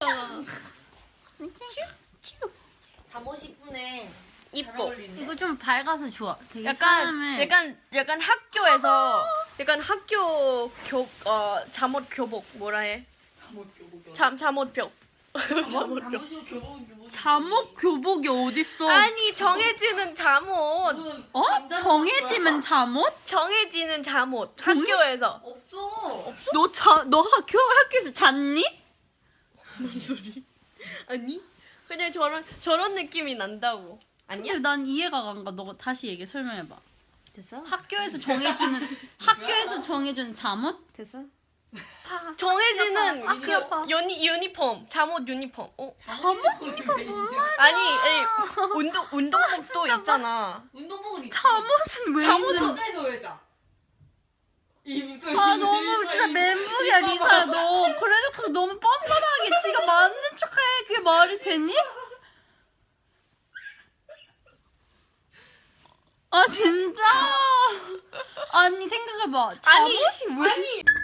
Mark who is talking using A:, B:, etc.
A: 잠옷 이쁘네.
B: 이뻐.
C: 이거 좀 밝아서 좋아. 되게
B: 약간 학교에서 약간 학교 잠옷 교복 뭐라 해? 잠옷
C: 잠옷 교복이 어딨어?
B: 아니 정해지는 잠옷.
C: 정해지면 잠옷?
B: 정해지는 잠옷 학교에서.
A: 없어.
C: 너 학교에서 잤니?
B: 뭔 소리? 아니 그냥 저런 느낌이 난다고. 아니야?
C: 근데 난 이해가 안 가. 너 다시 설명해봐.
B: 됐어?
C: 학교에서 정해주는 잠옷?
B: 됐어? 정해지는
C: 귀 아파.
B: 유니폼 잠옷 유니폼.
C: 잠옷?
B: 아니 운동복도 있잖아.
A: 운동복은 있지.
C: 잠옷은 왜 있는?
A: 학교에서 왜 자?
C: 아 너무 진짜 멘붕이야 리사야 너. 그래놓고 너무 뻔뻔하게 지가 맞는 척해. 그게 말이 되니? 아 진짜? 아니 생각해봐. 잠옷이 왜?